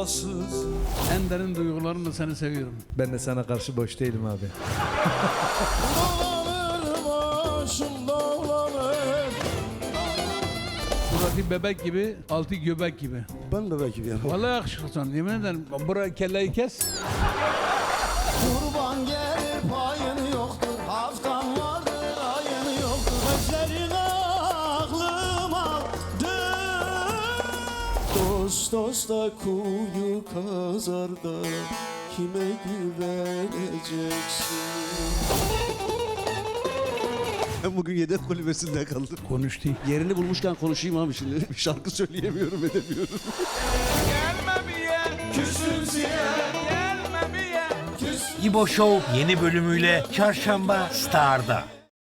vefasız. En derin duygularımla seni seviyorum. Ben de sana karşı boş değilim abi. Dağlanır başım dağlanır. Suratı bebek gibi, altı göbek gibi. Ben de belki bir yana. Vallahi yakışıklısın, yemin ederim. Buraya kelleyi kes. Kurban gelir payın yoktur. Haftan vardır ayın yoktur. Gözlerin aklıma dön. Dost dosta kuyu kazar da kime güveneceksin? Ben bugün yedek kulübesinde kaldım. Konuştu. Yerini bulmuşken konuşayım abi şimdi. Şarkı söyleyemiyorum, edemiyorum. İbo Show yeni bölümüyle Çarşamba Star'da.